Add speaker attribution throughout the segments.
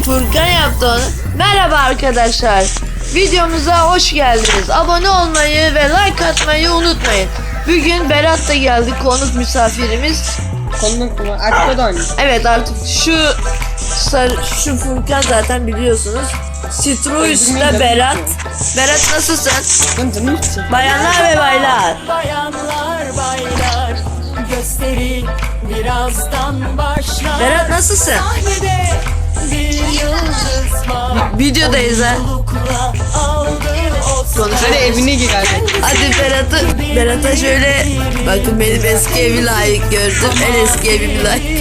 Speaker 1: Furkan yaptı onu. Merhaba arkadaşlar. Videomuza hoş geldiniz. Abone olmayı ve like atmayı unutmayın. Bugün Berat da geldi, konuk misafirimiz.
Speaker 2: Konuk mu? Artık o da oynuyor.
Speaker 1: Evet, artık şu Furkan zaten biliyorsunuz. Citroyus'la Berat. Berat nasılsın? Bayanlar ve baylar.
Speaker 3: Bayanlar baylar gösteri birazdan başlar.
Speaker 1: Berat nasılsın?
Speaker 3: Sahnede bir yıldız var.
Speaker 1: Videodayız ha.
Speaker 3: Mutlulukla aldı o
Speaker 1: Konuşalım.
Speaker 2: Hadi evine gir hadi.
Speaker 1: Hadi Berat'a şöyle bakın, benim eski evi layık gördüm. En eski evimi layık.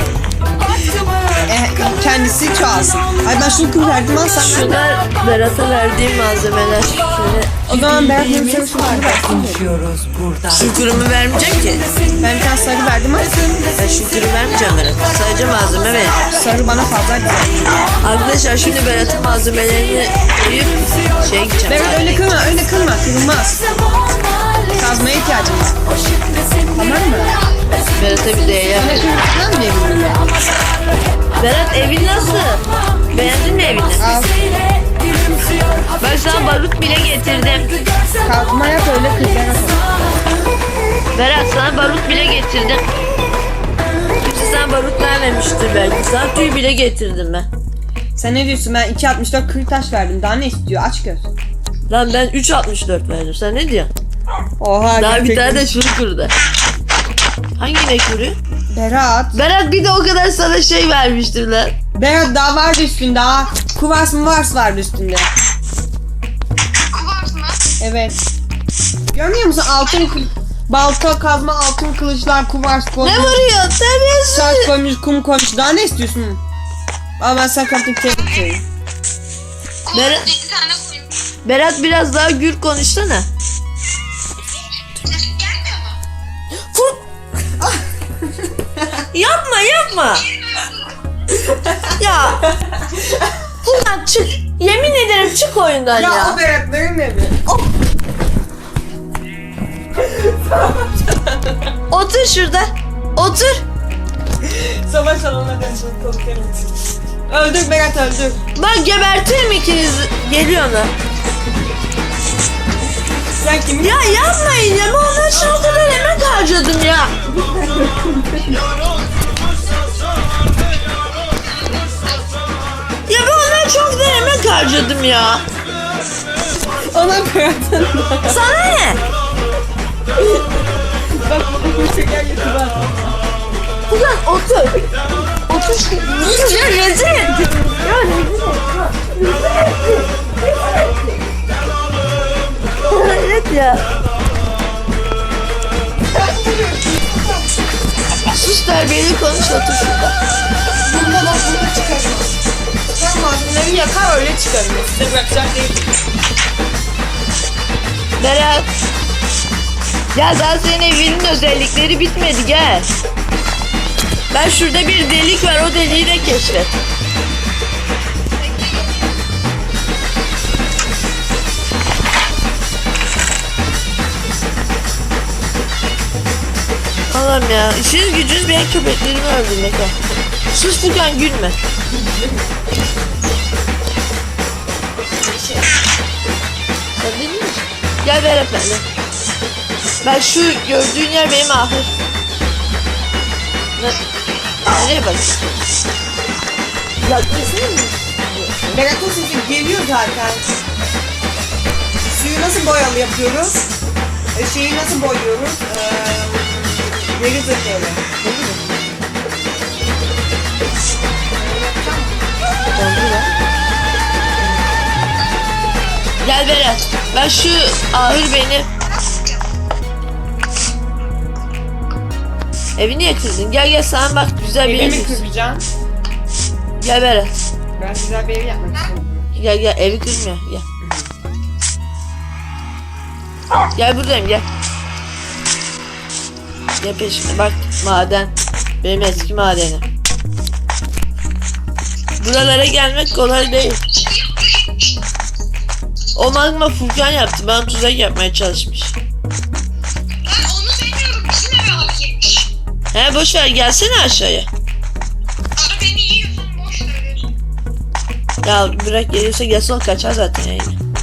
Speaker 2: Kendisi çoğalsın. Ay ben şunu kır verdim al sen.
Speaker 1: Şunlar Berat'a verdiğim malzemeler. Şöyle.
Speaker 2: O zaman ben sana şunu versin.
Speaker 3: konuşuyoruz burada.
Speaker 1: Şükürümü vermeyeceğim ki.
Speaker 2: Ben bir tane sarı verdim al.
Speaker 1: Ben şükürü vermeyeceğim Berat'a. Sadece malzeme vereceğim.
Speaker 2: Sarı bana fazla güzel.
Speaker 1: Arkadaşlar şimdi Berat'ın malzemelerini koyup gideceğim.
Speaker 2: Berat öyle kırma, kırılmaz. Kazmaya ihtiyacım var. Tamam mı?
Speaker 1: Berat'a bir değer.
Speaker 2: Sana kırmızıdan mı evine?
Speaker 1: Berat, evin nasıl? Beğendin mi evini?
Speaker 2: Al.
Speaker 1: Ben sana barut bile getirdim.
Speaker 2: Kazma yap öyle kır.
Speaker 1: Berat, sana barut bile getirdim. Kimse sana barut vermemiştir belki. Sana tüy bile getirdim ben.
Speaker 2: Sen ne diyorsun? Ben 2.64 kırık taş verdim. Daha ne istiyor? Aç göz.
Speaker 1: Lan ben 3.64 verdim. Sen ne diyorsun?
Speaker 2: Oha.
Speaker 1: Daha bir
Speaker 2: gerçekten.
Speaker 1: tane de şunu kırdı. Hangi inek vuruyor?
Speaker 2: Berat.
Speaker 1: Berat, bir de o kadar sana şey vermiştim lan.
Speaker 2: Berat daha vardı üstünde daha. Kuvars mı vars vardı üstünde.
Speaker 4: Kuvars mı?
Speaker 2: Evet. Görmüyor musun? Altın balta, kazma, altın kılıçlar, kuvars koymuş.
Speaker 1: Ne vuruyor? Terbiyesiz.
Speaker 2: Saç koymuş, kum koymuş. Daha ne istiyorsun? Al ben sana kaptık tebrik ederim.
Speaker 1: Berat-
Speaker 4: Kuvars 7 tane koymuş.
Speaker 1: Berat, biraz daha gür konuşsana.
Speaker 4: Sesin gelmiyor mu?
Speaker 1: Yapma. Ya. Furkan çık. Yemin ederim çık oyundan ya.
Speaker 2: o Berat'ların evi.
Speaker 1: Otur şurada. Otur.
Speaker 2: Savaş alanına dönüşüm korkarım. Öldür Berat öldür.
Speaker 1: Bak, gebertirim ikiniz. Geliyor ona.
Speaker 2: Sen kimin?
Speaker 1: Ya yapmayın ya. Ben ondan şu o kadar emek harcadım ya. Ya ben ondan çok da emek harcadım ya.
Speaker 2: Ona Berat'ın.
Speaker 1: Sana ne?
Speaker 2: Bak bu şeker getir bak.
Speaker 1: Ulan otur. Otur şu. Ya rezil ettin. Ya rezil ettin. Evet ya. Sus, terbiyeli konuş, otur şurada.
Speaker 2: Bunda bak bunu çıkarım. Sen malzemeleri yakar öyle çıkarım. Size bırakacak değil.
Speaker 1: Berat. Ya daha senin evinin özellikleri bitmedi, gel. Ben şurada bir delik var, o deliği de keşfet. Allah'ım ya, işiniz gücünüz benim köpeklerimi öldürmek ha. Sus Furkan, gülme. Sen değil misin? Gel Berat benimle. Ben şu gördüğün yer benim ahır. Nereye bak? Yaklaşsana mı?
Speaker 2: Berat'ın sesi geliyor zaten. Suyu nasıl boyalı yapıyoruz? Şeyi nasıl boyuyoruz? Deri zırhları.
Speaker 1: Gel Berat. Ben şu ahır benim. Evi niye kırdın? Gel sana bak, güzel bir ev.
Speaker 2: Evimi kıracağım.
Speaker 1: Gel Berat.
Speaker 2: Ben güzel bir ev yapmak istiyorum.
Speaker 1: Gel evi kırmıyor. Gel. Gel buradayım, gel. Gel peşime bak, maden. Benim eski madenim. Buralara gelmek kolay değil. O magma Furkan yaptı. Bana tuzak yapmaya çalışmış.
Speaker 4: Ben onu demiyorum. Bizim eve abi girmiş.
Speaker 1: He, boş ver, gelsene aşağıya.
Speaker 4: Abi beni yiyorsun, boş ver.
Speaker 1: Ya bırak, geliyorsa gelsin, o kaçar zaten yani.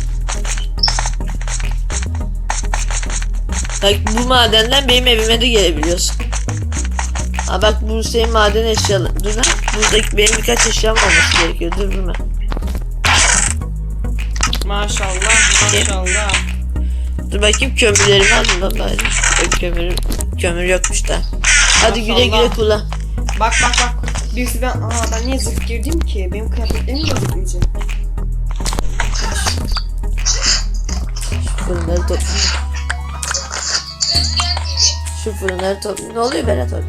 Speaker 1: Bak bu madenden benim evime de gelebiliyorsun. Ha bak, bu senin maden eşyalı. Dur lan. Buradaki benim birkaç eşyam olması gerekiyor. Dur durma.
Speaker 2: Maşallah maşallah.
Speaker 1: Dur bakayım, kömürlerimi aldım lan bari. Yok, kömür yokmuş da. Hadi güle güle kullan.
Speaker 2: Bak. Birisi ben niye zırh girdim ki? Benim kıyafetlerim gözükmeyecek.
Speaker 1: Fırınları toplayayım. Şu fırınları toplayayım. Ne oluyor Berat orada?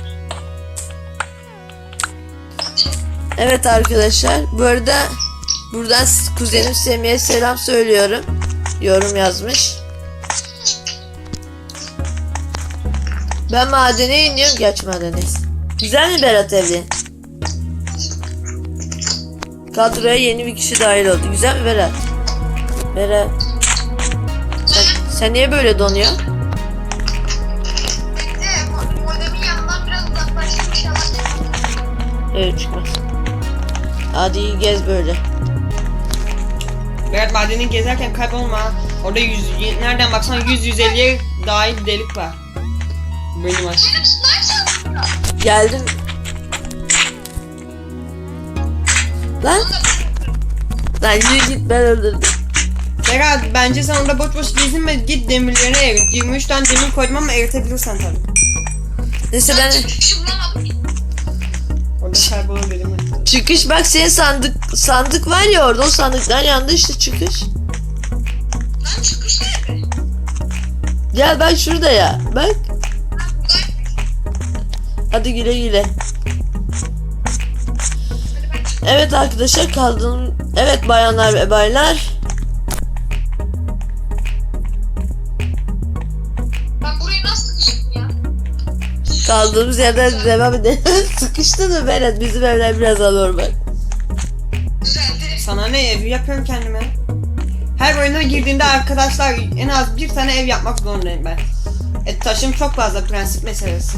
Speaker 1: Evet arkadaşlar, bu arada buradan kuzenim Semih'e selam söylüyorum. Yorum yazmış. Ben madene iniyorum. Geç madeneyiz. Güzel mi Berat evin? Kadroya yeni bir kişi dahil oldu. Güzel mi Berat? Berat. Sen niye böyle donuyorsun?
Speaker 4: Modemin yanından biraz uzaklaştım inşallah.
Speaker 1: Evet, çıkmaz. Hadi gez böyle.
Speaker 2: Berat madeni gezerken kaybolma. Orada nereden baksan 100-150'ye dahil bir delik var. Benim aşkım.
Speaker 4: Benim sniper çaldı.
Speaker 1: Geldim. Lan. Lan yürü git, ben öldürdüm.
Speaker 2: Berat bence sen orada boş gezinme, git demirleri erit. 23 tane demir koydum ama eritebilirsen tabii.
Speaker 1: Neyse ben
Speaker 4: Çıkışı bulamadım.
Speaker 2: Orada kaybolur dedim.
Speaker 1: çıkış, bak senin sandık var ya orada, o sandıklar yanında işte çıkış.
Speaker 4: Lan çıkış nerede?
Speaker 1: Gel bak şurada ya, bak.
Speaker 4: Buradaymış.
Speaker 1: Hadi güle güle. Evet arkadaşlar, kaldım. Evet bayanlar ve baylar.
Speaker 4: Bak burayı nasıl sıkıştın ya?
Speaker 1: Kaldığımız yerden devam edelim. Sıkıştın mı Berat? Bizim evler biraz anormal.
Speaker 4: Düzeldi.
Speaker 2: Sana ne, ev yapıyorum kendime. Her oyuna girdiğinde arkadaşlar en az bir tane ev yapmak zorundayım ben. Taşım çok fazla, prensip meselesi.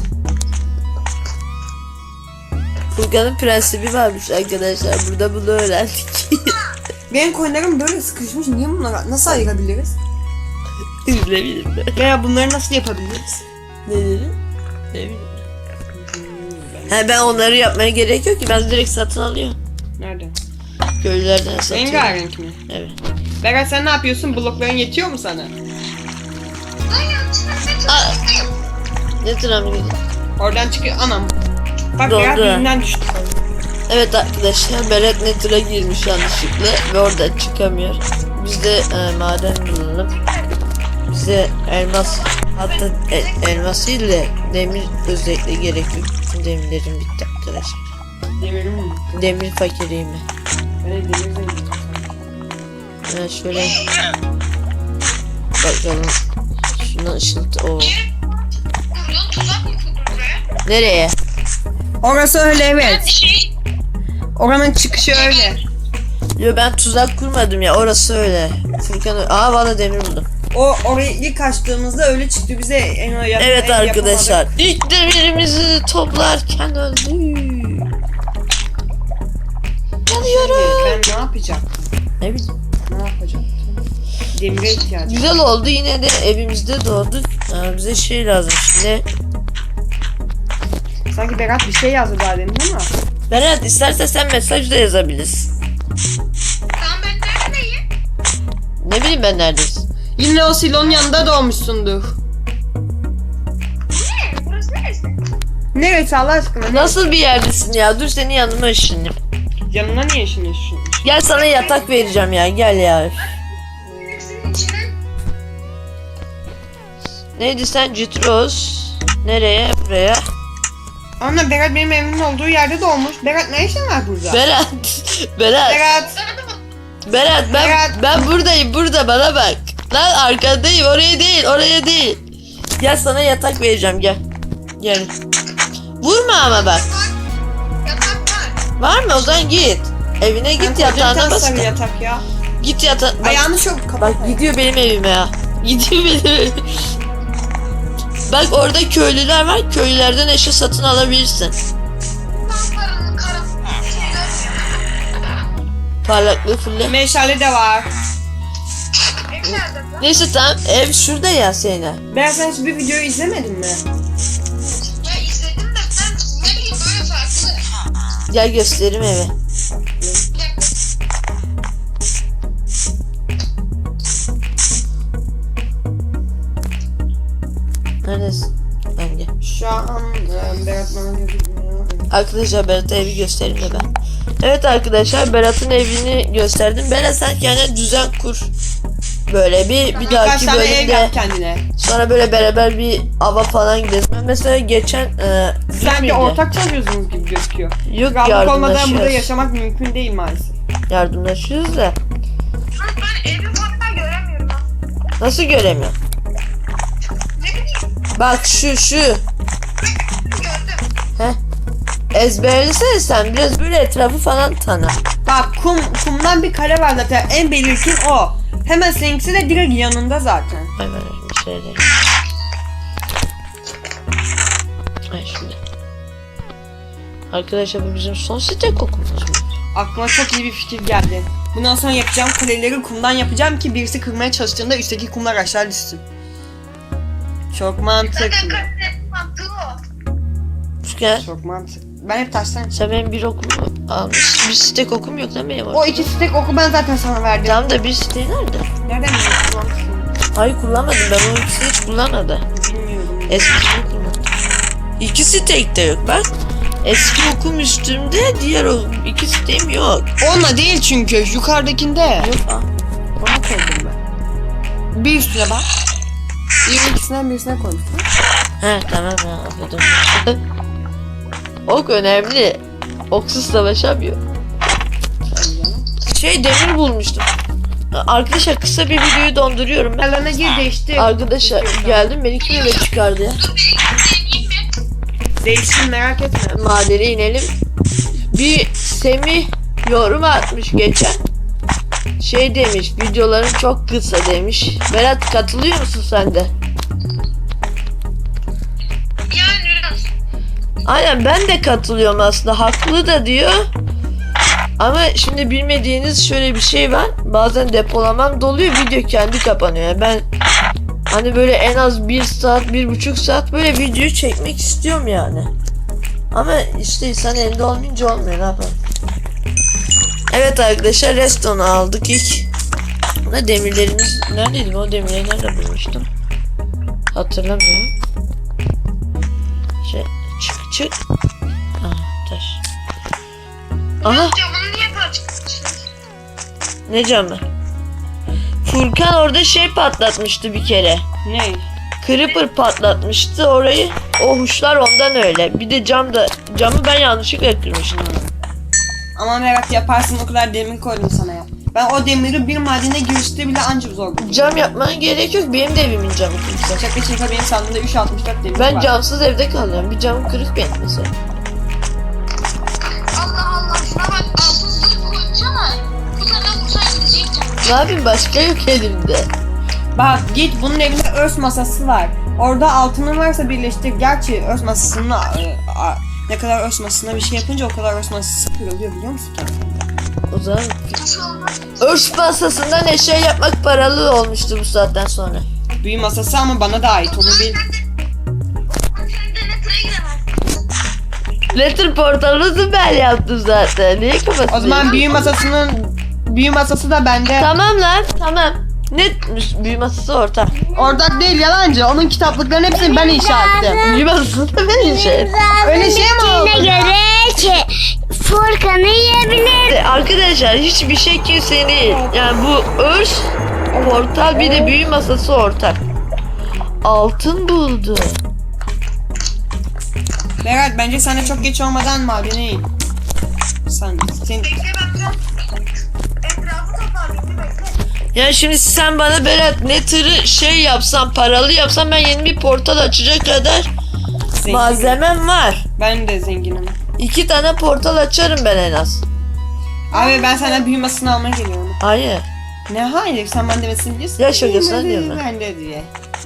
Speaker 1: Furkan'ın prensibi varmış arkadaşlar. Burada bunu öğrendik.
Speaker 2: Benim coinlerim böyle sıkışmış, niye bunları nasıl ayırabiliriz?
Speaker 1: Ne bileyim ben.
Speaker 2: Veya bunları nasıl yapabiliriz?
Speaker 1: Ne dedim? Ne bileyim. He, ben onları yapmaya gerek yok ki, ben direkt satın alıyorum.
Speaker 2: Nerede?
Speaker 1: Köylülerden satıyorum.
Speaker 2: Rengarenk mi?
Speaker 1: Evet.
Speaker 2: Berat sen ne yapıyorsun? Blokların yetiyor mu sana?
Speaker 4: Lan yanlışlıkla ne
Speaker 1: Aa.
Speaker 4: çalıştım?
Speaker 1: Ne travma gidiyor?
Speaker 2: Oradan çıkıyor, anam. Bak
Speaker 1: Doğru.
Speaker 2: Berat birinden düştü.
Speaker 1: Evet arkadaşlar, Berat Nether'a girmiş yanlışlıkla ve oradan çıkamıyor. Biz de maden bulalım. Bize elmas, hatta elmas değil de demir özellikle gerekiyor. Bütün demirlerim bitti arkadaşlar.
Speaker 2: Demirim mi?
Speaker 1: Demir fakiriyim ben.
Speaker 2: Ben de demir zengin.
Speaker 1: Evet şöyle bakalım. Şuna ışıltı. Oo.
Speaker 4: Kurdun tuzak mı kurdun buraya?
Speaker 1: Nereye?
Speaker 2: Orası öyle,
Speaker 4: Ben
Speaker 2: evet. Oranın çıkışı öyle.
Speaker 1: Yo, ben tuzak kurmadım ya, orası öyle. Furkan bana demir buldum.
Speaker 2: Orayı ilk açtığımızda öyle çıktı bize.
Speaker 1: Evet arkadaşlar, ilk demirimizi toplarken öldü. Yanıyorum.
Speaker 2: Ben ne yapacağım?
Speaker 1: Ne bileyim.
Speaker 2: Ne yapacağım? Demire ihtiyacım.
Speaker 1: Güzel oldu, yine de evimizde doğduk. Bize şey lazım şimdi.
Speaker 2: Sanki Berat bir şey yazdı daha demin ama.
Speaker 1: Berat, istersen sen mesaj da yazabilirsin.
Speaker 4: Tamam ben neredeyim?
Speaker 1: Ne bileyim ben neredesin.
Speaker 2: Yine o silonun yanında doğmuşsundur.
Speaker 4: Ne? Burası neresi?
Speaker 2: Neresi Allah aşkına?
Speaker 1: Nasıl bir yerdesin ya? Dur, senin yanıma ışınayım.
Speaker 2: Yanına niye işin?
Speaker 1: Gel, sana yatak vereceğim ya, gel ya.
Speaker 4: Hepsinin içine.
Speaker 1: Neydi sen? Citros. Nereye? Buraya.
Speaker 2: Anne Berat benim evimin olduğu yerde doğmuş. Berat ne işin var burada?
Speaker 1: Berat. Berat.
Speaker 2: Berat.
Speaker 1: Berat, ben buradayım, burada, bana bak. Lan arkadayım, oraya değil, oraya değil. Gel, sana yatak vereceğim, gel. Gel. Vurma ama bak.
Speaker 4: Yatak var.
Speaker 1: Var mı? O zaman git. Evine git, yatağına bas.
Speaker 2: sarı yatak ya.
Speaker 1: Git yatağa.
Speaker 2: Ayağını çok kapat.
Speaker 1: Bak gidiyor benim evime ya. Gidiyor benim evime. Bak orada köylüler var. Köylülerden eşya satın alabilirsin.
Speaker 4: Lambaranın karası.
Speaker 1: Parlaklığı fulle.
Speaker 2: Meşale de var.
Speaker 4: Ev nerede?
Speaker 1: Neyse tamam, ev şurada ya Seyna.
Speaker 2: Ben sen hiçbir videoyu izlemedin mi?
Speaker 4: Ya izledim de ben ne bileyim böyle farklı.
Speaker 1: Gel göstereyim evi.
Speaker 4: Bir dakika.
Speaker 1: Neredesin? Ben gel.
Speaker 2: Şu an Berat bana gözükmüyor.
Speaker 1: Arkadaşlar Berat'a evi göstereyim de ben. Evet arkadaşlar, Berat'ın evini gösterdim. Berat sen kendine düzen kur. Böyle bir
Speaker 2: Birkaç
Speaker 1: dahaki
Speaker 2: tane ev
Speaker 1: bölümde
Speaker 2: yap kendine.
Speaker 1: sonra böyle beraber bir ava falan gideriz. Ben mesela geçen
Speaker 2: Sanki
Speaker 1: miydi?
Speaker 2: ortak çalışıyorsunuz gibi gözüküyor.
Speaker 1: Yok,
Speaker 2: Krallık olmadan burada
Speaker 1: yardımlaşıyoruz.
Speaker 2: yaşamak mümkün değil maalesef.
Speaker 1: Yardımlaşıyoruz da.
Speaker 4: Ben evi hatta göremiyorum ha.
Speaker 1: Nasıl göremiyorum?
Speaker 4: Ne bileyim
Speaker 1: Bak şu.
Speaker 4: gördüm.
Speaker 1: Heh. Ezberlesene sen biraz, böyle etrafı falan tanı.
Speaker 2: Bak kumdan bir kare var zaten. En belirgin o. Hemen seninkisi de direkt yanında zaten.
Speaker 1: Hemen bir şey diyeyim. Ay şimdi. Arkadaşlar bu bizim son site kokumuz mu?
Speaker 2: Aklıma çok iyi bir fikir geldi. Bundan sonra yapacağım kuleleri kumdan yapacağım ki birisi kırmaya çalıştığında üstteki kumlar aşağı düşsün. Çok mantıklı.
Speaker 4: Zaten karakterin mantığı o.
Speaker 1: Gel.
Speaker 2: Çok mantıklı. Ben hep taştan.
Speaker 1: Sen benim bir okumu almış. Bir site kokum yok lan benim
Speaker 2: O
Speaker 1: orada.
Speaker 2: iki stek oku ben zaten sana verdim.
Speaker 1: Tamam da bir site nerede?
Speaker 2: Nereden biliyorsun?
Speaker 1: Hayır kullanmadım, ben o ikisini hiç kullanmadım.
Speaker 2: Bilmiyorum.
Speaker 1: Eskisini kullandım. İkisi tekte yok bak. Eski okum üstümde, diğer o iki sitem yok.
Speaker 2: Onunla değil çünkü yukarıdakinde.
Speaker 1: Yok
Speaker 2: Onu koydum ben. Bir üstüne bak. Bir ikisinden birisine koymuşsun.
Speaker 1: He tamam ya, anladım. Ok önemli. Oksuz savaşamıyor. Demir bulmuştum. Arkadaşlar kısa bir videoyu donduruyorum ben.
Speaker 2: Alana gir değişti.
Speaker 1: Arkadaşlar geldim, beni kim eve çıkardı ya?
Speaker 4: Dur beni deneyeyim mi?
Speaker 2: Değişsin merak etme.
Speaker 1: Madene inelim. Bir Semih yorum atmış geçen. Demiş, videoların çok kısa demiş. Berat katılıyor musun sen de?
Speaker 4: Yani biraz.
Speaker 1: Aynen, ben de katılıyorum aslında, haklı da diyor. Ama şimdi bilmediğiniz şöyle bir şey var. Bazen depolamam doluyor, video kendi kapanıyor. Yani ben hani böyle en az 1 saat, 1,5 saat böyle video çekmek istiyorum yani. Ama işte insan elinde olmayınca olmuyor, ne yapalım. Evet arkadaşlar, redstone'u aldık ilk. Buna demirlerimiz neredeydi? O demirleri nerede bulmuştum? Hatırlamıyorum. Çık. Taş. Aha,
Speaker 4: Camını niye parçalamışsın?
Speaker 1: ne camı? Furkan orada patlatmıştı bir kere.
Speaker 2: Ne?
Speaker 1: Creeper patlatmıştı orayı. O huşlar ondan öyle. Bir de camı ben yanlışlıkla kırmıştım.
Speaker 2: Ama merak yaparsın, o kadar demir koydum sana ya. Ben o demiri bir madene girişte bile ancak zor buldum.
Speaker 1: Cam yapmana gerek yok. Benim de evimin camı kırık.
Speaker 2: Şaka benim sandığımda 364 demir
Speaker 1: Ben
Speaker 2: var.
Speaker 1: camsız evde kalıyorum. Bir camım kırık benim mesela.
Speaker 4: Allah Allah şuna bak altın zırh koyacağım ama bu sefer vursan gidecektim.
Speaker 1: Ne yapayım, başka yok elimde.
Speaker 2: Bak git, bunun evinde örs masası var. Orada altının varsa birleştir. Gerçi örs masasının ne kadar örs masasına bir şey yapınca o kadar örs masası kırılıyor, biliyor musun?
Speaker 1: O zaman
Speaker 4: Nasıl olmaz?
Speaker 1: örs masasından eşya yapmak paralı olmuştu bu saatten sonra.
Speaker 2: Büyü masası ama bana da ait, onu bil.
Speaker 4: Sen de netre giremezsin.
Speaker 1: Letter portalını ben yaptım zaten. Niye kapatıyorsun?
Speaker 2: O zaman büyü masası da bende.
Speaker 1: Tamam lan, tamam. Ne büyü masası orta.
Speaker 2: Ortak değil, yalancı. Onun kitaplıklarının hepsini ben inşa ettim.
Speaker 1: Büyü masası da ben şey.
Speaker 2: Öyle şey mi oldu?
Speaker 5: göre Furkan'ı yiyebilir.
Speaker 1: Arkadaşlar hiçbir şey kimsenin değil. Yani bu örs portal, bir de büyü masası ortak. Altın buldu.
Speaker 2: Berat, bence sana çok geç olmadan madene in. Sen
Speaker 4: Bekle ben biraz etrafı toparlayayım bekle.
Speaker 1: Yani şimdi sen bana Berat Nether'ı yapsan, paralı yapsan, ben yeni bir portal açacak kadar
Speaker 2: zengin.
Speaker 1: malzemem var.
Speaker 2: Ben de zenginim.
Speaker 1: 2 tane portal açarım ben en az.
Speaker 2: Abi ben senden büyü masasını almaya geliyorum.
Speaker 1: Hayır.
Speaker 2: Ne hayır, sen ben demesini biliyorsun.
Speaker 1: Ya şakasına diyorum ben.
Speaker 2: Ben de diye.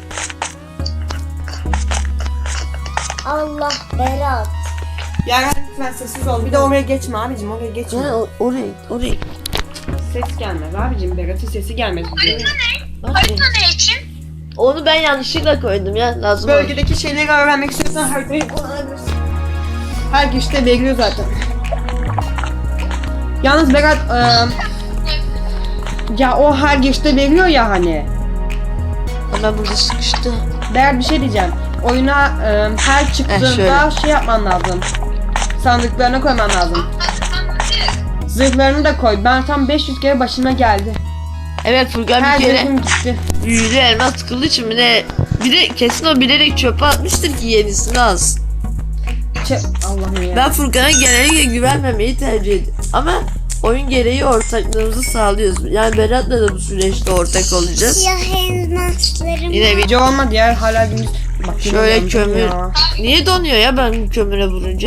Speaker 5: Allah Berat.
Speaker 2: Ya lütfen sessiz ol. Bir de oraya geçme abicim, oraya geçme.
Speaker 1: Yani orayı.
Speaker 2: ses gelmez abicim. Berat'ın sesi gelmez.
Speaker 4: Harita ne için?
Speaker 1: Onu ben yanlışlıkla koydum ya. Lazım olmuş.
Speaker 2: Bölgedeki şeyleri öğrenmek istiyorsan haritayı kullanabilirsin. Her girişte veriyor zaten. Yalnız Berat ya o her girişte veriyor ya hani.
Speaker 1: Ama burada sıkıştı.
Speaker 2: Berat bir şey diyeceğim. Oyuna her çıktığında şey yapman lazım. Sandıklarına koyman lazım. Zırhlarını da koy. Ben tam 500 kere başıma geldi.
Speaker 1: Evet Furkan
Speaker 2: Her
Speaker 1: bir kere
Speaker 2: zırhım gitti.
Speaker 1: büyülü elmas tıkıldığı için mi ne? Bir de kesin o bilerek çöpe atmıştır ki yenisini alsın.
Speaker 2: Allah'ım ya.
Speaker 1: Ben Furkan'a genellikle güvenmemeyi tercih ediyorum. Ama oyun gereği ortaklığımızı sağlıyoruz. Yani Berat'la da bu süreçte ortak olacağız.
Speaker 5: Siyah elmaslarım.
Speaker 1: Yine bir
Speaker 2: Video olmadı ya hala gündüz. Bak, yine
Speaker 1: şöyle
Speaker 2: yandım
Speaker 1: kömür.
Speaker 2: ya.
Speaker 1: Niye donuyor ya ben kömüre vurunca?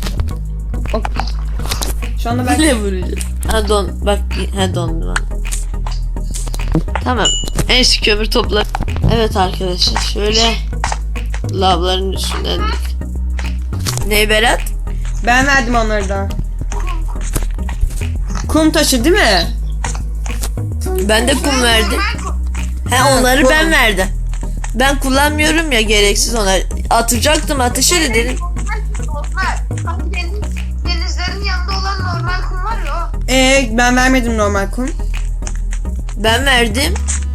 Speaker 2: Şu anda ben
Speaker 1: Ne vuracağım? Ha bak ha dondu lan. Tamam. Neyse kömür topla. Evet arkadaşlar şöyle lavların üstünden dik. Ne Berat?
Speaker 2: Ben verdim onları da. Kum taşı değil mi?
Speaker 1: Ben de kum verdim. He onları
Speaker 2: kum.
Speaker 1: ben verdim. Ben kullanmıyorum ya gereksiz onları. Atacaktım ateşe de dedim.
Speaker 4: Normal. Hani denizlerin yanında olan normal kum var ya o.
Speaker 2: Ben vermedim normal kum.
Speaker 1: Ben verdim.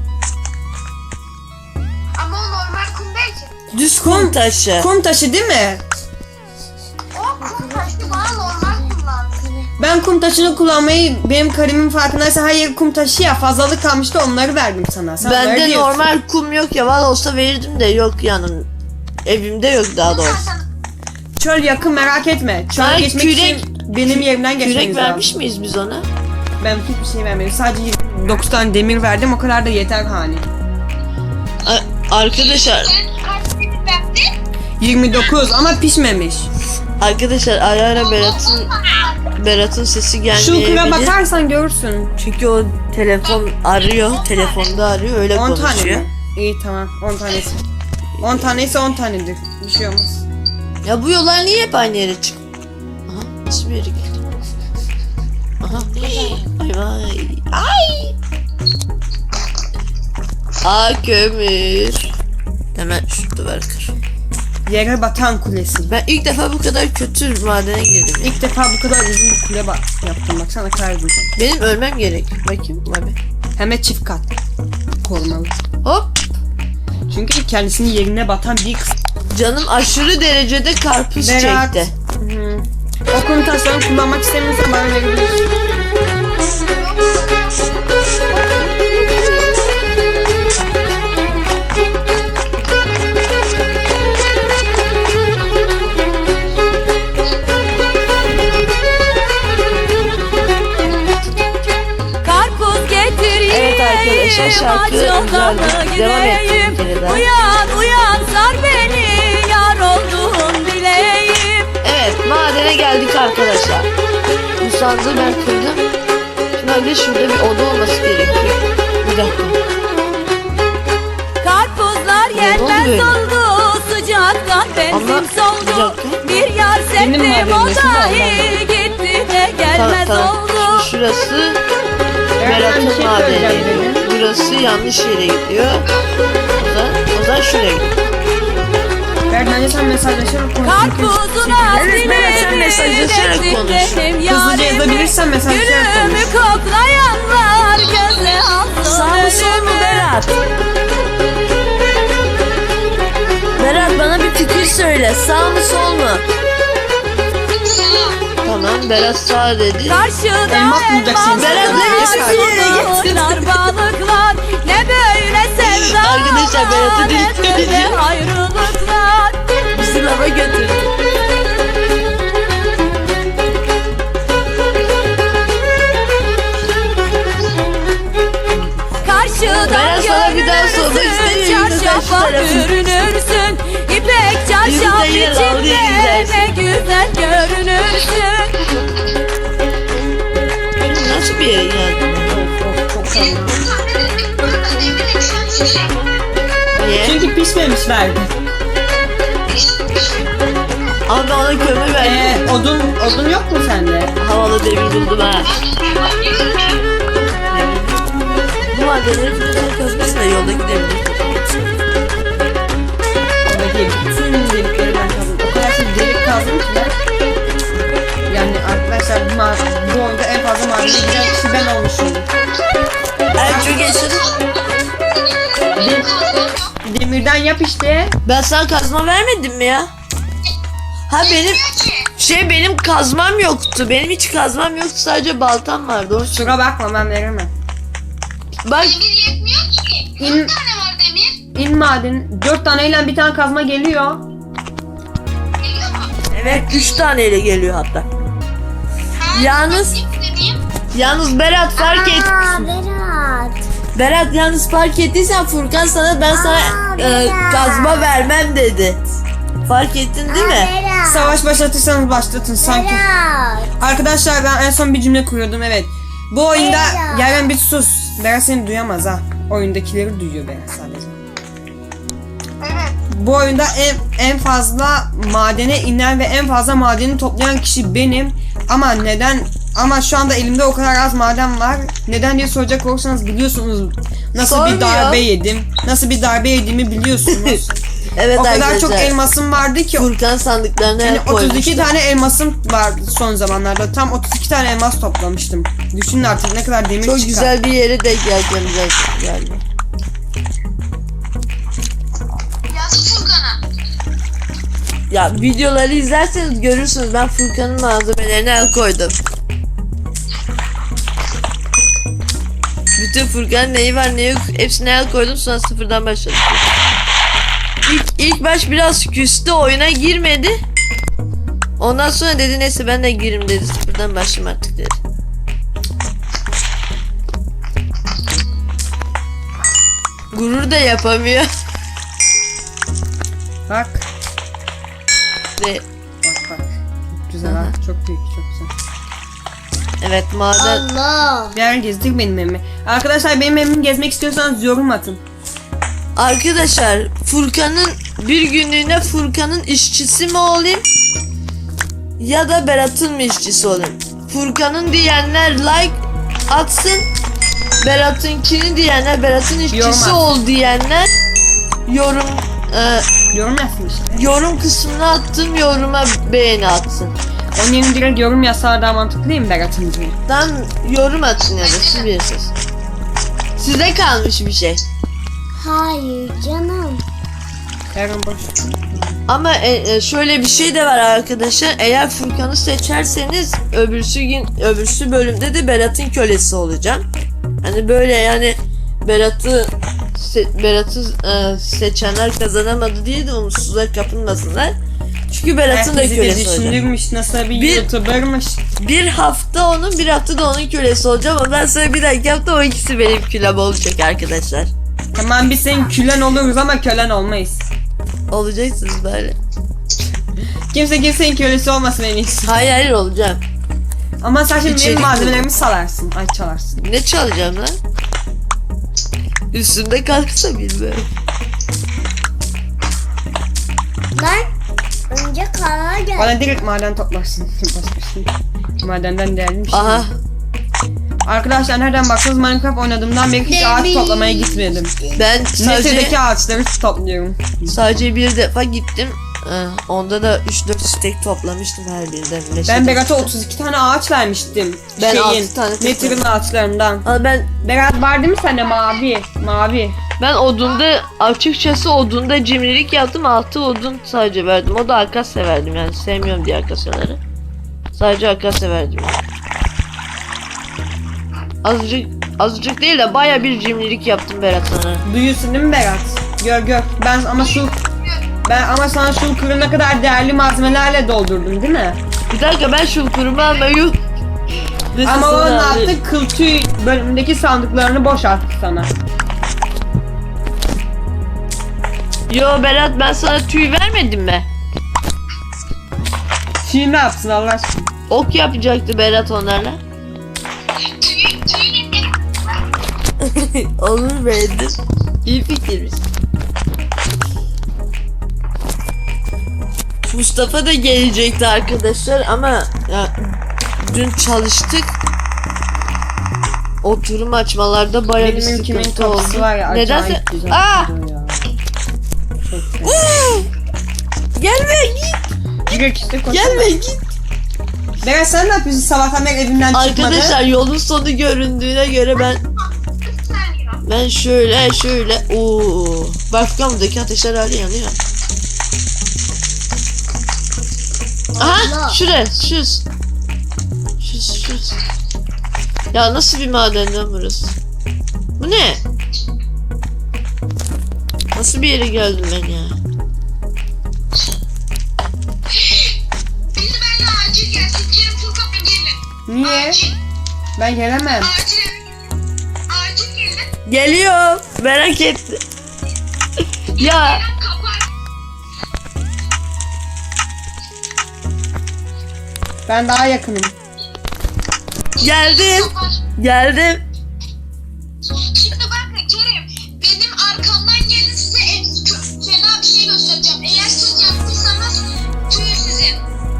Speaker 4: Ama o normal kum değil ki.
Speaker 1: Düz kum taşı.
Speaker 2: Kum taşı değil mi?
Speaker 4: O kum taşı bana normal kum lazım.
Speaker 2: Ben kum taşını kullanmayı benim karimin farkındaysa her yer kum taşı ya fazlalık kalmıştı onları verdim sana. Sen onları
Speaker 1: Bende
Speaker 2: diyorsun.
Speaker 1: normal kum yok ya. Valla olsa verirdim de yok yanım. Evimde yok daha doğrusu.
Speaker 2: Çöl yakın merak etme. Çöl
Speaker 1: Ay,
Speaker 2: geçmek
Speaker 1: kürek-
Speaker 2: için benim yerimden geçmeniz
Speaker 1: Kürek
Speaker 2: lazım.
Speaker 1: vermiş miyiz biz ona?
Speaker 2: Ben hiçbir şey vermedim. Sadece 9 tane demir verdim o kadar da yeter hani.
Speaker 1: Arkadaşlar
Speaker 4: Sen kaç demir verdin?
Speaker 2: 29 ama pişmemiş.
Speaker 1: Arkadaşlar ara ara Berat'ın sesi gelmeyebilir.
Speaker 2: Şulkura bakarsan görürsün.
Speaker 1: Çünkü o telefon arıyor. Telefonda arıyor öyle
Speaker 2: 10 tane
Speaker 1: konuşuyor.
Speaker 2: mi? İyi tamam 10 tanesi. 10 taneyse 10 tanedir. Bir şey olmaz.
Speaker 1: Ya bu yollar niye hep aynı yere çık? Aha nasıl bir yere geldi? Aha. Ay vay. Ay. Kömür. Hemen şu duvar kır.
Speaker 2: Yere batan kulesi.
Speaker 1: Ben ilk defa bu kadar kötü madene girdim ya.
Speaker 2: İlk defa bu kadar uzun bir kule yaptım. Baksana kaydım.
Speaker 1: Benim ölmem gerek. Bakayım abi.
Speaker 2: Hem de çift kat. Korumalı.
Speaker 1: Hop.
Speaker 2: Çünkü kendisinin yerine batan bir kısım.
Speaker 1: Canım aşırı derecede karpuz
Speaker 2: Berat.
Speaker 1: çekti.
Speaker 2: O kum taşlarını kullanmak istemiyorsan bana verebilirsin.
Speaker 3: Karpuz getireyim.
Speaker 1: Evet arkadaşlar, şarkı
Speaker 3: Acıdan
Speaker 1: güzeldi. Devam ettim bir
Speaker 3: gideyim.
Speaker 1: kere daha.
Speaker 3: Uyan uyan sar beni. Yar olduğun dileğim.
Speaker 1: Evet madene geldik arkadaşlar. Bu sandığı ben kırdım. Şimdi bir de şurada bir oda olması gerekiyor. Bir dakika.
Speaker 3: Karpuzlar
Speaker 1: oldu
Speaker 3: yenmez
Speaker 1: böyle?
Speaker 3: oldu. Sıcaktan benzin
Speaker 1: Ama bir
Speaker 3: soldu.
Speaker 1: dakika.
Speaker 3: Bir yar
Speaker 2: Benim
Speaker 3: sevdim
Speaker 2: haberim
Speaker 3: o
Speaker 2: yok, şimdi
Speaker 3: dahi gitti de gelmez
Speaker 1: Tamam.
Speaker 3: oldu.
Speaker 1: Şimdi şurası
Speaker 2: Ben bir
Speaker 1: Berat'ın
Speaker 2: şey söyleyeceğim
Speaker 1: madeni.
Speaker 2: dedim.
Speaker 1: Burası yanlış yere gidiyor. O zaman şuraya gidiyor.
Speaker 2: Ver bence sen mesajlaşarak konuş.
Speaker 3: Karpuzun
Speaker 1: Evet, Berat, sen mesajlaşarak konuş.
Speaker 2: Hızlıca yazabilirsen mesajlaşarak konuş.
Speaker 3: Gülümü koklayanlar göze alsın.
Speaker 1: Sağ mı sol mu Berat? Berat bana bir fikir söyle. Sağ mı sol mu? Tamam Berat sağ dedi.
Speaker 3: Karşıda
Speaker 2: Elmas bulacaksın.
Speaker 1: Berat,
Speaker 3: elmaslar,
Speaker 1: nereye getirdin?
Speaker 3: balıklar, balıklar. Ne böyle sevdalar.
Speaker 1: Arkadaşlar, Berat'ı
Speaker 3: ne böyle
Speaker 1: dinleyeceğim.
Speaker 3: ayrılıklar.
Speaker 1: Bizi lava götürdü.
Speaker 3: Karşıdan
Speaker 1: Berat, sana bir daha sormak
Speaker 3: görünürsün,
Speaker 1: istemiyorum. Sen şu
Speaker 3: çarşafa
Speaker 1: tarafı.
Speaker 3: bürünürsün. İpek çarşaf
Speaker 1: Yürü de yer al, diye
Speaker 3: içinde
Speaker 1: gidersin.
Speaker 3: ne güzel görünürsün.
Speaker 1: Nasıl bir yere geldin?
Speaker 4: Demir eksen şey.
Speaker 1: Niye?
Speaker 2: Çünkü pişmemiş verdi.
Speaker 1: Ama ben ona kömür verdim.
Speaker 2: Odun yok mu sende?
Speaker 1: Havalı demir buldum ha. madenleri falan kazmayın da yolda gidebiliriz.
Speaker 2: Oradaki bütün delikleri ben kazdım. O kadar çok delik kazdım ki ben. Yani arkadaşlar bu oyunda en fazla madene giren kişi ben olmuşum.
Speaker 1: En çok yaşadım.
Speaker 2: Demirden yap işte.
Speaker 1: Ben sana kazma vermedim mi ya? Ha benim kazmam yoktu. Benim hiç kazmam yoktu. Sadece baltam vardı. Onun için.
Speaker 2: Şura bakma, ben veremem.
Speaker 1: Bak
Speaker 4: Demir yetmiyor ki.
Speaker 2: İn-
Speaker 4: 4 tane var demir.
Speaker 2: İn maden. 4 taneyle bir tane kazma geliyor.
Speaker 4: Geliyor mu?
Speaker 1: evet 3 taneyle geliyor hatta. Yalnız-
Speaker 4: Dediğim,
Speaker 1: Yalnız Berat fark et.
Speaker 5: Berat.
Speaker 1: Berat yalnız fark ettiysen Furkan ben sana
Speaker 5: Berat.
Speaker 1: kazma vermem dedi. Fark ettin değil mi?
Speaker 5: Berat.
Speaker 2: Savaş başlatırsanız başlatın sanki.
Speaker 5: Berat.
Speaker 2: Arkadaşlar ben en son bir cümle kuruyordum, evet. Bu oyunda
Speaker 5: Berat.
Speaker 2: Yaren bir sus. Berat seni duyamaz ha. Oyundakileri duyuyor Berat sadece.
Speaker 4: evet.
Speaker 2: Bu oyunda en fazla madene inen ve en fazla madeni toplayan kişi benim. Ama şu anda elimde o kadar az maden var. Neden diye soracak olursanız biliyorsunuz nasıl
Speaker 1: Sormuyor.
Speaker 2: bir darbe yedim. Nasıl bir darbe yediğimi biliyorsunuz.
Speaker 1: Evet
Speaker 2: O kadar
Speaker 1: arkadaşlar.
Speaker 2: çok elmasım vardı ki.
Speaker 1: Furkan sandıklarına
Speaker 2: Yani
Speaker 1: el koymuştu.
Speaker 2: 32 tane elmasım vardı son zamanlarda. Tam 32 tane elmas toplamıştım. Düşünün artık ne kadar demir
Speaker 1: Çok
Speaker 2: çıkar.
Speaker 1: güzel bir yere denk geleceğim galiba.
Speaker 4: Yaz Furkan'a.
Speaker 1: Ya videoları izlerseniz görürsünüz ben Furkan'ın malzemelerine el koydum. Bütün Furkan'ın neyi var neyi yok hepsine el koydum, sonra sıfırdan başladım. İlk baş biraz küstü, oyuna girmedi. Ondan sonra dedi neyse ben de girim dedi, sıfırdan başlayayım artık dedi. Gurur da yapamıyor.
Speaker 2: Bak.
Speaker 1: Ve
Speaker 2: Bak. Çok güzel ha. Çok büyük, çok güzel.
Speaker 1: evet maden.
Speaker 5: Allah.
Speaker 2: Bir yer gezdik benim evimi. Arkadaşlar benim evimi gezmek istiyorsanız yorum atın.
Speaker 1: Arkadaşlar Furkan'ın bir günlüğüne Furkan'ın işçisi mi olayım ya da Berat'ın mı işçisi olayım? Furkan'ın diyenler like atsın, Berat'ınkini diyenler, Berat'ın
Speaker 2: Yorum
Speaker 1: işçisi
Speaker 2: at.
Speaker 1: ol diyenler yorum
Speaker 2: Yorum yazsın işte.
Speaker 1: yorum kısmına attım, yoruma beğeni atsın.
Speaker 2: Onun yerine direkt yorum yazsalar daha mantıklı değil mi Berat'ın diye?
Speaker 1: Tam yorum atın ya da siz bilirsiniz. Size kalmış bir şey.
Speaker 5: Hayır canım.
Speaker 2: Yarın boş.
Speaker 1: Ama şöyle bir şey de var arkadaşlar. Eğer Furkan'ı seçerseniz öbürsü bölümde de Berat'ın kölesi olacağım. Hani böyle yani Berat'ı seçenler kazanamadı diye de umutsuzluğa kapılmasınlar. Çünkü Berat'ın da
Speaker 2: Herkesi de
Speaker 1: kölesi olacağım.
Speaker 2: düşünürmüş, nasıl bir
Speaker 1: Bir-
Speaker 2: YouTuber'mış.
Speaker 1: Bir hafta onun, bir hafta da onun kölesi olacağım. Ondan sonra bir dahaki hafta o ikisi benim kölem olacak arkadaşlar.
Speaker 2: Tamam biz senin külen oluruz ama kölen olmayız.
Speaker 1: Olacaksınız böyle.
Speaker 2: Kimse kimsenin kölesi olmasın en iyisi.
Speaker 1: Hayır olacağım.
Speaker 2: Ama sen şimdi
Speaker 1: İçerik
Speaker 2: benim malzemelerimi salarsın. Ay çalarsın.
Speaker 1: Ne çalacağım lan? Üstümde kalksa bilmiyorum.
Speaker 5: Lan. Önce karar gel.
Speaker 2: Bana direkt maden toplarsın. Başka bir şey. Madenden değerli bir şey.
Speaker 1: Aha.
Speaker 2: Arkadaşlar nereden baksanız Minecraft oynadığımdan beri hiç ağaç toplamaya gitmedim.
Speaker 1: Ben
Speaker 2: Neşedeki ağaçları topluyorum.
Speaker 1: sadece bir defa gittim. Onda da 3-4 stek toplamıştım her birinden.
Speaker 2: Ben
Speaker 1: Neşede.
Speaker 2: Berat'a 32 tane ağaç vermiştim.
Speaker 1: Ben 6 tane
Speaker 2: Nether'ın ağaçlarından.
Speaker 1: Ama
Speaker 2: Berat var değil mi sende mavi? Mavi.
Speaker 1: ben odunda açıkçası odunda cimrilik yaptım. 6 odun sadece verdim. O da akasya verdim yani. Sevmiyorum diye akasyaları. Sadece akasya verdim yani. Azıcık değil de baya bir cimrilik yaptım Berat sana.
Speaker 2: Duyuyorsun değil mi Berat? Gör. Ben ama sana şu kırına kadar değerli malzemelerle doldurdum değil mi?
Speaker 1: Bir dakika ben şu kurumu almayı...
Speaker 2: Ama o ne yaptı? Kıl tüy bölümündeki sandıklarını boşalttı sana.
Speaker 1: Yo Berat ben sana tüy vermedim mi?
Speaker 2: Tüy ne yapsın Allah aşkına?
Speaker 1: Ok yapacaktı Berat onlarla. Olur beğendim. İyi fikirmiş. Mustafa da gelecekti arkadaşlar ama ya, dün çalıştık. oturum açmalarda baya bir
Speaker 2: Benim ülkemin
Speaker 1: sıkıntı oldu.
Speaker 2: kapısı var ya.
Speaker 1: Nedense...
Speaker 2: Acayip güzel
Speaker 1: Aa!
Speaker 2: duruyor ya. Çok güzel.
Speaker 1: Gelme git.
Speaker 2: Direkt işte koşalım.
Speaker 1: Gelme git.
Speaker 2: Berat sen ne yapıyorsun sabahtan beri evinden çıkmadın?
Speaker 1: Arkadaşlar yolun sonu göründüğüne göre ben şöyle ooo. Balkonumdaki ateşler hala yanıyor. Aha şuraya şuz. Şuz. Ya nasıl bir maden lan burası? Bu ne? Nasıl bir yere geldim ben ya?
Speaker 4: Biri benimle acil gelsin. Kerim Furkan gelin.
Speaker 2: Niye?
Speaker 4: Acil.
Speaker 2: Ben gelemem.
Speaker 4: Acil gelin.
Speaker 1: Geliyor. Merak ettim. Ya
Speaker 4: Kapar.
Speaker 2: Ben daha yakınım.
Speaker 1: geldim.
Speaker 4: Kapar.
Speaker 1: Geldim.
Speaker 4: Şimdi bakın Kerim. Benim arkamdan gelin size fena bir şey göstereceğim. Eğer siz yaptıysanız tüy sizin.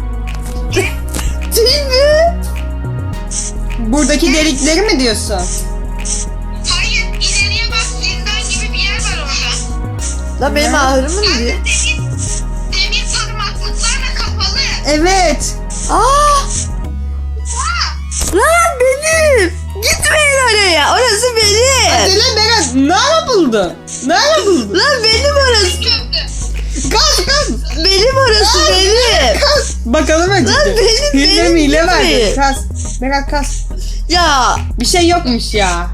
Speaker 1: Değil mi?
Speaker 2: Buradaki delikleri mi diyorsun?
Speaker 4: Hayır ileriye bak zindan gibi bir yer var orada.
Speaker 1: Lan benim ahırımı mı diyor?
Speaker 4: Demir parmaklıklarla kapalı.
Speaker 2: Evet.
Speaker 1: Aa! Lan benim. Gitmeyin oraya. Orası benim.
Speaker 2: Deli Berat nerede buldun? Nerede buldun?
Speaker 1: Lan benim orası.
Speaker 4: Gördüm.
Speaker 2: Kas.
Speaker 1: Benim orası benim.
Speaker 2: Kas. Bakalım önce.
Speaker 1: Lan benim,
Speaker 2: Hile
Speaker 1: benim
Speaker 2: mi hile
Speaker 1: değil
Speaker 2: verdi?
Speaker 1: mi?
Speaker 2: Kas. Berat kas.
Speaker 1: Ya
Speaker 2: Bir şey yokmuş ya.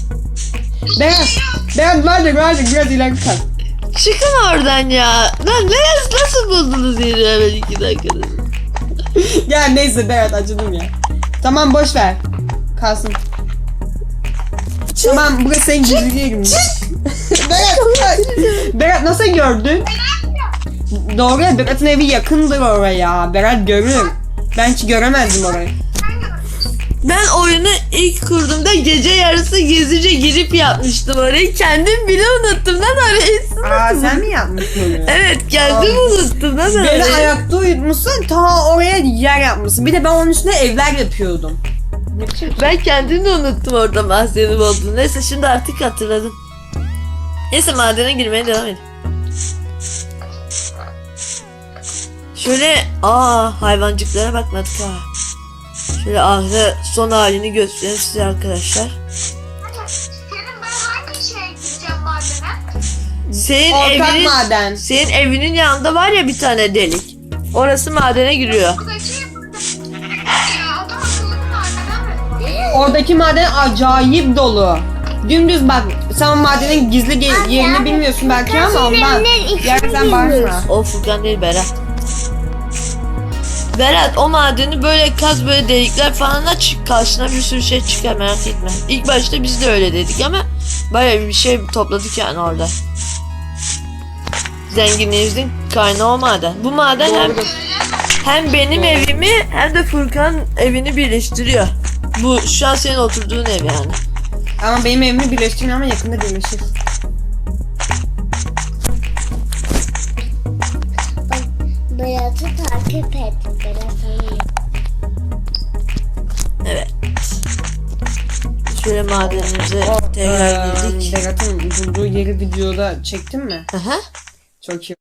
Speaker 2: Berat vardır biraz ileri kas.
Speaker 1: çıkın oradan ya. Lan nasıl buldunuz yeri hemen 2 dakikada?
Speaker 2: Ya neyse Berat acıdım ya. Tamam boş ver. Kalsın. Tamam burası senin gizli yerin. Berat nasıl gördün? Doğru ya Berat'ın evi yakındır oraya. Berat görür. Ben hiç göremezdim orayı.
Speaker 1: Ben oyunu ilk kurduğumda gece yarısı gizlice girip yapmıştım orayı. Kendim bile unuttum lan orayı.
Speaker 2: Aa sen mi yapmışsın onu?
Speaker 1: Evet kendim unuttum lan
Speaker 2: Beni
Speaker 1: orayı.
Speaker 2: ayakta uyutmuşsun ta oraya yer yapmışsın. Bir de ben onun üstüne evler yapıyordum. Ne biçim?
Speaker 1: Ben kendimi de unuttum orada mahzenim olduğunu. Neyse şimdi artık hatırladım. Neyse madene girmeye devam edelim. Şöyle hayvancıklara bakmadık ha. Şöyle ahire son halini göstereyim size arkadaşlar.
Speaker 4: Kerim ben hangi şeye gideceğim madene?
Speaker 1: Senin
Speaker 2: Ortak maden.
Speaker 1: Senin evinin yanında var ya bir tane delik. Orası madene giriyor.
Speaker 4: Buradaki... Ya adam akıllı bir madene mi?
Speaker 2: Oradaki maden acayip dolu. Dümdüz bak. Sen madenin gizli yerini bilmiyorsun belki ama ondan. Yerden bağırma.
Speaker 1: O Furkan değil Berat. Berat o madeni böyle kaz böyle delikler falan aç karşına bir sürü şey çıkar merak etme. İlk başta biz de öyle dedik ama bayağı bir şey topladık yani orada. Zenginliğimizin kaynağı o maden. Bu maden hem benim evimi hem de Furkan evini birleştiriyor. Bu şu an senin oturduğun ev yani.
Speaker 2: Ama benim evimi birleştirmiyor ama yakında birleşir.
Speaker 5: Berat'ı takip et. Berat'ı.
Speaker 1: Evet. Şöyle madenimize tekrar girdik.
Speaker 2: Berat'ın bulduğu yeri videoda çektin mi?
Speaker 1: Aha.
Speaker 2: Çok iyi.